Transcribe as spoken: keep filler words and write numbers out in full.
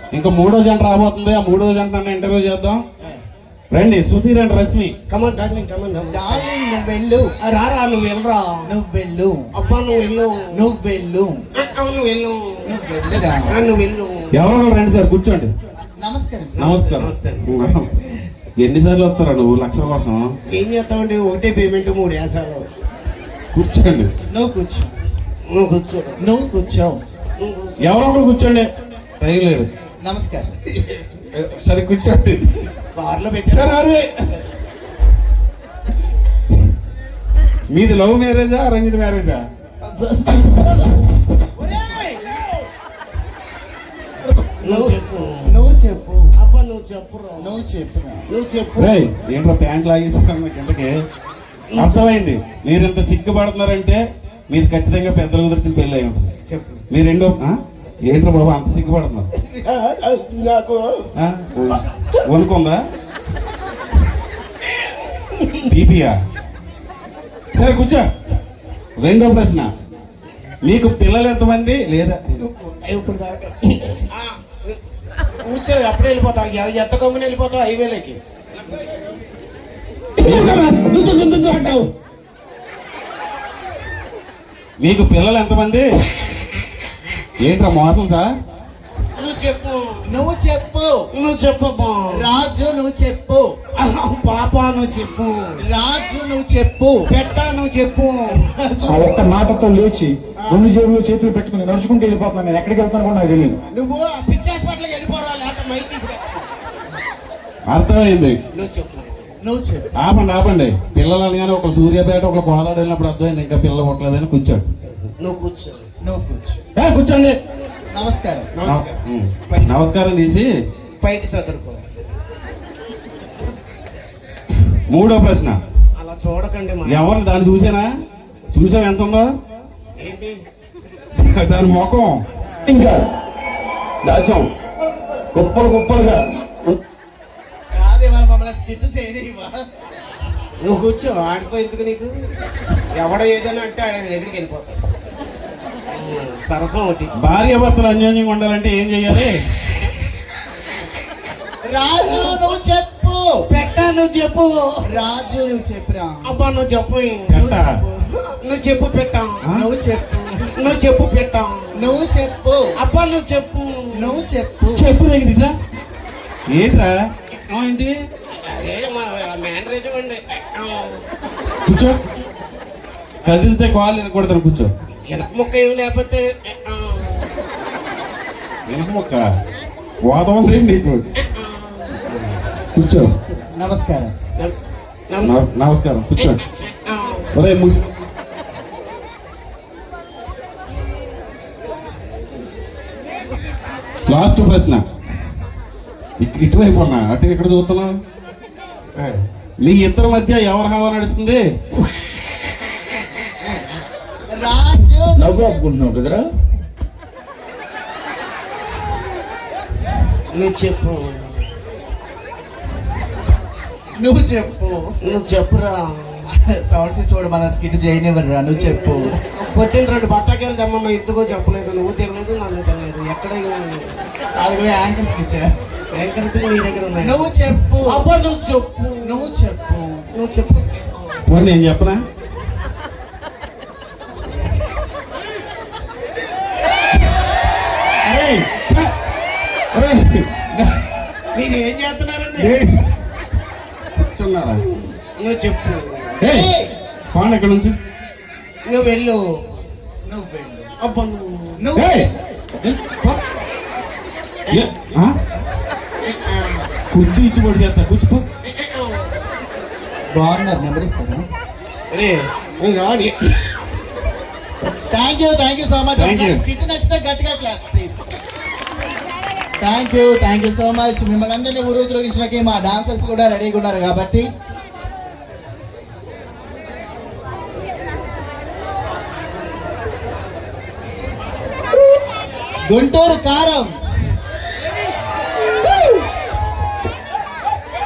ఇంకా మూడో జంట రాబోతుంది. ఆ మూడో జంట ఇంటర్వ్యూ చేద్దాం. రండి Sudheer and Rashmi. Come on darling, come on darling. నువ్వు వెళ్ళు. రారా, నువ్వు వెళ్ళరా. నువ్వు వెళ్ళు. అబ్బా నువ్వు వెళ్ళు. నువ్వు వెళ్ళు. నువ్వు వెళ్ళు. నువ్వు వెళ్ళురా. నువ్వు వెళ్ళు. ఎవరో రండి సార్, కూర్చోండి. నమస్కారం. నమస్కారం. ఎన్నిసార్లు వస్తారా నువ్వు లక్షల కోసం? ఏం చేస్తావండి, ఒకటే పేమెంట్ మూడు వేసాలు. కూర్చోండి. నువ్వు కూర్చో. నువ్వు కూర్చో. నువ్వు కూర్చో. ఎవరో ఒకరు కూర్చోండి, టైం లేదు. నమస్కారం. సరే కూర్చోండి. కార్లో పెట్టారు. సరే మీది లవ్ మ్యారేజా అరేంజ్డ్ మ్యారేజా? నువ్వు చెప్పు. నువ్వు చెప్పు. అబ్బా నువ్వు చెప్పురా. నువ్వు చెప్పు. నువ్వు చెప్పు. ఏంట్రా ప్యాంట్ లాగేసుకున్నాను కిందకి? అర్థమైంది. మీరు ఇంత సిగ్గుపడుతున్నారంటే మీరు ఖచ్చితంగా పెద్దలు కుదిర్చిన పెళ్ళి అయి ఉంటుంది. చెప్పు. మీరు రెండో ఏంట్రా బాబు అంత సిగ్గుపడుతున్నారు? నాకు వనుకుందా బీపీయా? సరే కూర్చో. రెండో ప్రశ్న, మీకు పిల్లలు ఎంతమంది? లేదా ఇప్పుడు దాకా కూర్చో. అప్పుడే వెళ్ళిపోతావు. ఎంత కమ్ముని వెళ్ళిపోతావు హైవేలోకి. మీకు పిల్లలు ఎంతమంది? ఏంట్రా మోసం సార్? నువ్వు చెప్పు. నువ్వు చెప్పు. నువ్వు చెప్పు. రాజు నువ్వు చెప్పు. పాప నువ్వు చెప్పు. రాజు నువ్వు చెప్పు. పెట్ట నువ్వు చెప్పు. ఆ ఒక్క మాటతో లేచి రెండు జేబులు చేతులు పెట్టుకుని నడుచుకుంటూ వెళ్ళిపోతున్నాను. నేను ఎక్కడికి వెళ్తాను కూడా నాకు తెలియదు. నువ్వు పిచ్చి హాస్పిటల్కి వెళ్ళిపోరా, లేకపోతే మైక్ తీసుకురా. అర్థమైంది. నువ్వు చెప్పు. నువ్వు చెప్పు. ఆపండి ఆపండి. పిల్లలు అనగానే ఒక సూర్యాపేట ఒక గోదావరి వెళ్ళినప్పుడు అర్థమైంది ఇంకా పిల్లలు పుట్టలేదని కూర్చోండి. నువ్వు కూర్చో. నువ్వు కూర్చో. ఏ, కూర్చోండి. నమస్కారం. ఉమ్. నమస్కారం తీసి బయట చదువుకో. మూడో ప్రశ్న, అలా చూడకండి. మా ఎవరిని దాన్ని చూసానా? చూసావు ఎంత ఉందో? ఏంటి దాని ముఖం ఇంకా దాచాం కుప్పలు కుప్పలుగా. కాదే మన మమ్మల్ని స్కిట్ చేయనివా? నువ్వు కూర్చో. ఆడితో ఎందుకు నీకు? ఎవడ ఏదైనా అంటే ఆడ దగ్గరికి వెళ్ళిపోతాడు. సరసం ఒకటి. భార్య భర్తలు అన్యోన్యంగా ఉండాలంటే ఏం చెయ్యాలి? రాజు నువ్వు చెప్పు. పెట్ట నువ్వు చెప్పు. రాజు నువ్వు చెప్పురా. అబ్బా నువ్వు చెప్పు. పెట్ట. నువ్వు చెప్పు పెట్ట. నువ్వు చెప్పు. నువ్వు చెప్పు పెట్ట. నువ్వు చెప్పు. అబ్బా నువ్వు చెప్పు. నువ్వు చెప్పు. చెప్పు దగ్గర ఇట్లా ఏంట్రా? ఆ, ఏంటి? మేనరేజ్ అండి. కూర్చో. కదిలితే కాళ్ళు వినకూడతాను. కూర్చో. వెనక ముక్క ఏమి లేకపోతే వెనక మొక్క వాదం ఉంది నీకు. కూర్చో. నమస్కారం. నమ- నమస్కారం. కూర్చో. ఒరే ముసి లాస్ట్ ప్రశ్న. ఇక్- ఇటువైపు ఉన్నా అటు ఇక్కడ చూస్తున్నావు. మీ ఇద్దరి మధ్య ఎవరి హవా నడుస్తుంది? రాజు నవ్వు ఆపుకుంటున్నావు కదరా. నువ్వు చెప్పు. నువ్వు చెప్పు. నువ్వు చెప్పురా. సౌండ్స్ చూడు, మన స్కిట్ చేయనివ్వరురా. నువ్వు చెప్పు. పొద్దున్న రెండు బత్తాకాయలు తెమ్మమ్మ, ఎందుకో చెప్పలేదు. నువ్వు తినలేదు, నన్ను తినలేదు. ఎక్కడ అదిగో యాంకర్స్ ఇచ్చా. యాంకర్ నీ దగ్గర ఉన్నాయి. నువ్వు చెప్పు. అబ్బా నువ్వు చెప్పు. నువ్వు చెప్పు. నువ్వు చెప్పు. పోనీ నేను చెప్పనా? ఏయ్, ఛ! ఒరేయ్, మీరు ఏం చేస్తున్నారండి? ఏయ్, కూర్చున్నారా? నువ్వు చెప్పు. ఏయ్, పోండి ఇక్కడ నుంచి. నువ్వు వెళ్ళు. నువ్వు వెళ్ళు. అబ్బా నువ్వు. నువ్వు ఏయ్, పో. ఏ, ఆ? కుర్చీ ఇచ్చి పొడి చేస్తా. కూర్చో. బాగున్నారు. నెంబర్ ఇస్తారా? రే రాని. Thank you. Thank you so much. Thank you. Skit నచ్చితే గట్టిగా clap please. Thank you. Thank you so much. మిమ్మల్ని అందరినీ ఊరుద్రోగించడానికి మా డాన్సర్స్ కూడా రెడీగా ఉన్నారు కాబట్టి గుంటూరు కారం